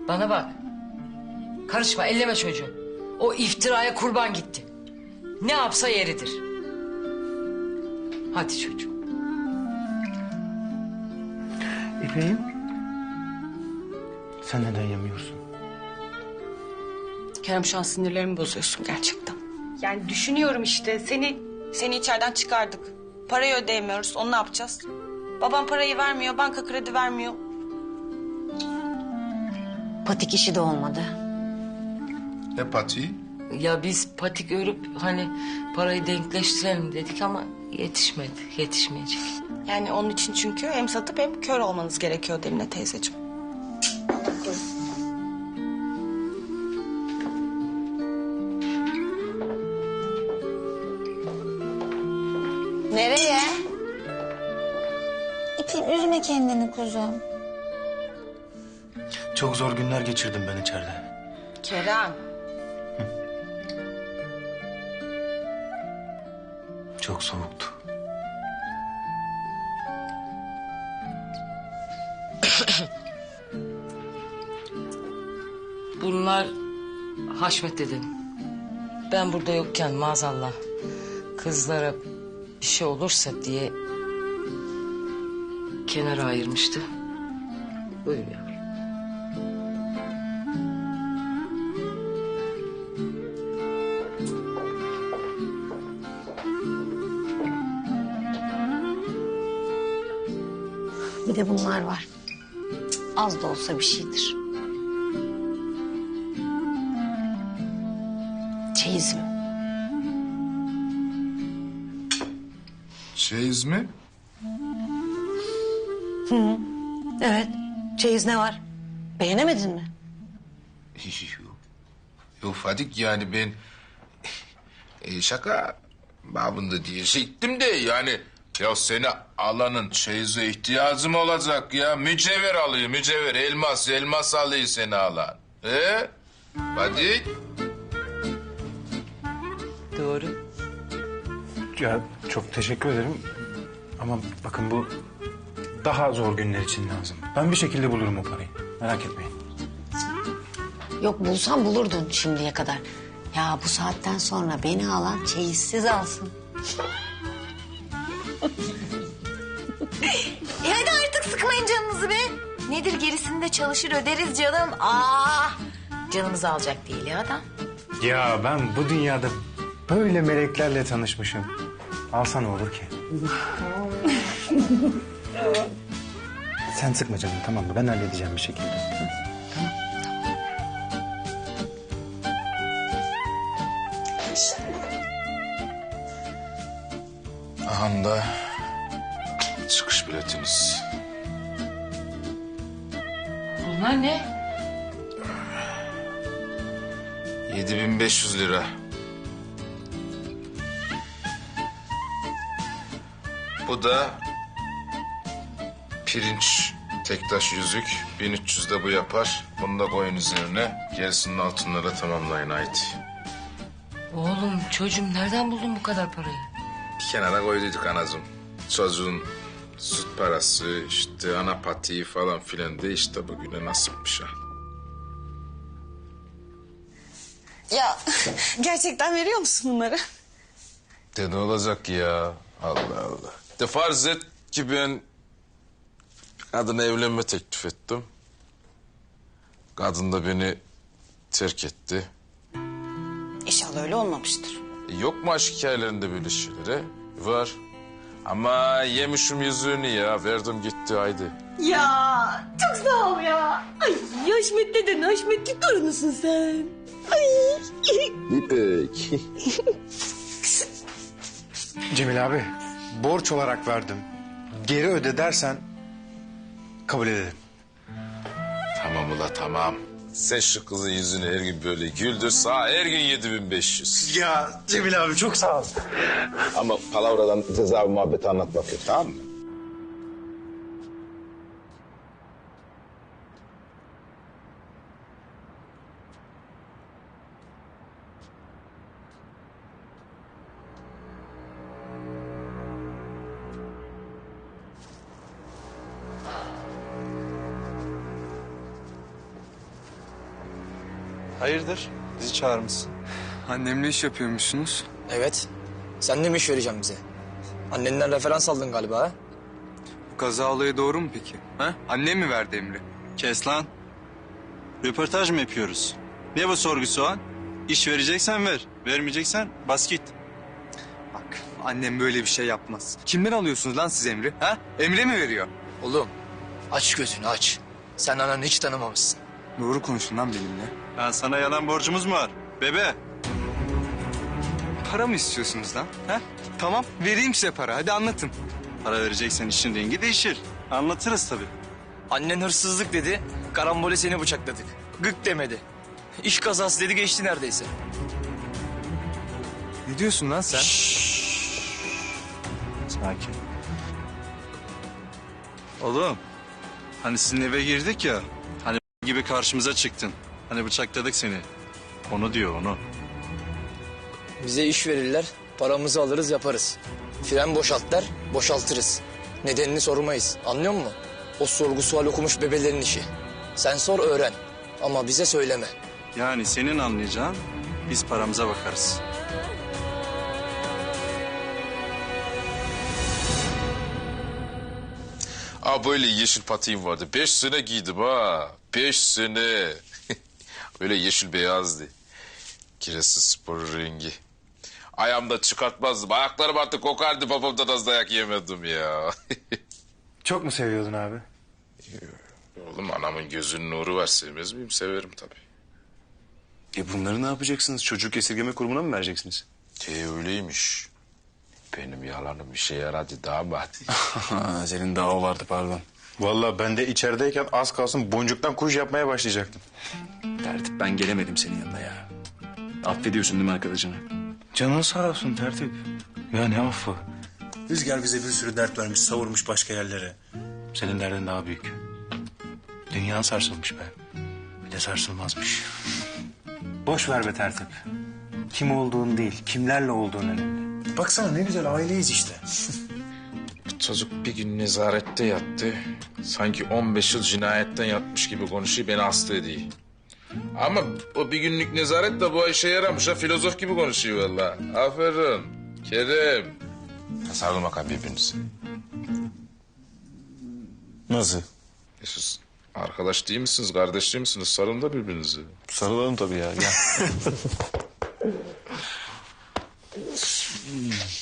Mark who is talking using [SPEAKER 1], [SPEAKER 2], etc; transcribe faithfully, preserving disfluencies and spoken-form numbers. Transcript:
[SPEAKER 1] Bana bak. Karışma, elleme çocuğu. O iftiraya kurban gitti. Ne yapsa yeridir. Hadi çocuğum.
[SPEAKER 2] İpek'im. Sen neden yemiyorsun?
[SPEAKER 3] Kerem, şu an sinirlerimi bozuyorsun gerçekten. Yani düşünüyorum işte seni seni içeriden çıkardık. Parayı ödeyemiyoruz. Onu ne yapacağız? Babam parayı vermiyor, banka kredi vermiyor.
[SPEAKER 4] Patik işi de olmadı.
[SPEAKER 5] Ne patiği?
[SPEAKER 1] Ya biz patik örüp hani parayı denkleştirelim dedik ama yetişmedi, yetişmeyecek.
[SPEAKER 3] Yani onun için çünkü hem satıp hem kör olmanız gerekiyor Emine teyzeciğim.
[SPEAKER 4] Nereye? İpin üzme kendini kuzum.
[SPEAKER 2] Çok zor günler geçirdim ben içeride.
[SPEAKER 3] Kerem.
[SPEAKER 2] Çok soğuktu.
[SPEAKER 1] Bunlar Haşmet dedim. Ben burada yokken maazallah kızlara bir şey olursa diye kenara ayırmıştı. Buyur yavrum.
[SPEAKER 4] Bir de bunlar var. Az da olsa bir şeydir. Çeyizim.
[SPEAKER 5] Çeyiz mi?
[SPEAKER 4] Evet. Çeyiz ne var? Beğenemedin mi?
[SPEAKER 5] Yok Fadik, yani ben e, şaka babında diyecektim de yani ya seni alanın çeyize ihtiyacım olacak ya. Mücevher alıyor mücevher, elmas elmas alıyor seni alan. He? Fadik.
[SPEAKER 1] Doğru.
[SPEAKER 2] Ya çok teşekkür ederim. Ama bakın bu daha zor günler için lazım. Ben bir şekilde bulurum o parayı. Merak etmeyin.
[SPEAKER 4] Yok, bulsan bulurdun şimdiye kadar. Ya bu saatten sonra beni alan çeyizsiz alsın. e hadi artık sıkmayın canınızı be. Nedir, gerisini de çalışır öderiz canım. Aa, canımızı alacak değil ya adam.
[SPEAKER 2] Ya ben bu dünyada böyle meleklerle tanışmışım. Alsa ne olur ki? Sen sıkma canım, tamam mı? Ben halledeceğim bir şekilde.
[SPEAKER 5] Aha da çıkış biletiniz.
[SPEAKER 1] Bunlar ne?
[SPEAKER 5] Yedi bin beş yüz lira. Bu da pirinç tektaş yüzük. bin üç yüz de bu yapar. Bunu da koyun üzerine. Gerisinin altınlara tamamlayın haydi.
[SPEAKER 1] Oğlum çocuğum nereden buldun bu kadar parayı?
[SPEAKER 5] Bir kenara koyduyduk anacığım. Çocuğun süt parası, işte ana patiği falan filan de işte bugüne nasipmiş ha.
[SPEAKER 3] Ya gerçekten veriyor musun bunları?
[SPEAKER 5] De ne olacak ya? Allah Allah. De farz et ki ben kadına evlenme teklif ettim. Kadın da beni terk etti.
[SPEAKER 3] İnşallah öyle olmamıştır.
[SPEAKER 5] E, yok mu aşk hikayelerinde böyle şeyler? Var. Ama yemişim yüzüğünü ya. Verdim gitti haydi.
[SPEAKER 3] Ya çok sağ ol ya. Ay Haşmet deden, Haşmetli torunusun sen. Ay.
[SPEAKER 5] İpek.
[SPEAKER 2] Cemil abi, borç olarak verdim. Geri öde dersen kabul ederim.
[SPEAKER 5] Tamam ula tamam. Sen şu kızın yüzünü her gün böyle güldür. Sağ her gün yedi bin beş yüz.
[SPEAKER 2] Ya Cemil abi çok sağ ol.
[SPEAKER 5] Ama palavradan ceza muhabbeti anlatmak yok, tamam mı?
[SPEAKER 6] Hayırdır? Bizi çağırmışsın.
[SPEAKER 7] Annemle iş yapıyormuşsunuz.
[SPEAKER 8] Evet. Sen de mi iş vereceksin bize? Annenden referans aldın galiba ha?
[SPEAKER 7] Bu kaza olayı doğru mu peki? Ha? Annem mi verdi emri?
[SPEAKER 6] Kes lan. Röportaj mı yapıyoruz? Ne bu sorgu soğan? İş vereceksen ver. Vermeyeceksen bas git.
[SPEAKER 7] Bak annem böyle bir şey yapmaz. Kimden alıyorsunuz lan siz emri? Ha? Emre mi veriyor?
[SPEAKER 8] Oğlum aç gözünü aç. Sen ananı hiç tanımamışsın.
[SPEAKER 7] Doğru konuşun lan benimle.
[SPEAKER 6] Ben sana yalan borcumuz mu var? Bebe.
[SPEAKER 7] Para mı istiyorsunuz lan? Ha? Tamam vereyim size para hadi anlatın.
[SPEAKER 6] Para vereceksen işin rengi değişir. Anlatırız tabii.
[SPEAKER 8] Annen hırsızlık dedi, karambole seni bıçakladık. Gık demedi. İş kazası dedi geçti neredeyse.
[SPEAKER 7] Ne diyorsun lan sen?
[SPEAKER 6] Sakin. Oğlum. Hani sizin eve girdik ya. Hani gibi karşımıza çıktın. Hani bıçakladık seni. Onu diyor onu.
[SPEAKER 8] Bize iş verirler, paramızı alırız yaparız. Fren boşalt der, boşaltırız. Nedenini sormayız, anlıyor musun? O sorgu sual okumuş bebelerin işi. Sen sor öğren ama bize söyleme.
[SPEAKER 6] Yani senin anlayacağın biz paramıza bakarız.
[SPEAKER 5] Aa böyle yeşil patiğim vardı. Beş sene giydim ha. Beş sene. Öyle yeşil beyazdı. Kiresi spor rengi. Ayağımda çıkartmazdım. Ayaklarım artık kokardı. Babamdan az dayak yemedim ya.
[SPEAKER 2] Çok mu seviyordun abi?
[SPEAKER 5] Oğlum anamın gözünün nuru var. Sevmez miyim? Severim tabii.
[SPEAKER 9] E bunları ne yapacaksınız? Çocuk esirgeme kurumuna mı vereceksiniz?
[SPEAKER 5] E öyleymiş. Benim yalanım işe yaradı damat.
[SPEAKER 9] Senin daha o vardı pardon.
[SPEAKER 2] Vallahi ben de içerideyken az kalsın boncuktan kuş yapmaya başlayacaktım.
[SPEAKER 9] Tertip ben gelemedim senin yanına ya. Affediyorsun değil mi arkadaşını?
[SPEAKER 2] Canın sağ olsun tertip. Ya ne affı?
[SPEAKER 9] Rüzgar bize bir sürü dert vermiş, savurmuş başka yerlere.
[SPEAKER 2] Senin derdin daha büyük. Dünya sarsılmış be. Bir de sarsılmazmış. Boş ver be tertip. Kim olduğun değil, kimlerle olduğun önemli.
[SPEAKER 9] Baksana ne güzel aileyiz işte.
[SPEAKER 5] Çocuk bir gün nezarette yattı. Sanki on beş yıl cinayetten yatmış gibi konuşuyor, beni hasta ediyor. Ama o bir günlük nezaret de bu işe yaramış ha, filozof gibi konuşuyor vallahi. Aferin Kerem. Sarılın bakalım birbirinize.
[SPEAKER 9] Nasıl?
[SPEAKER 5] E siz arkadaş değil misiniz, kardeş değil misiniz? Sarılın da birbirinize.
[SPEAKER 9] Sarılalım tabii ya. Gel.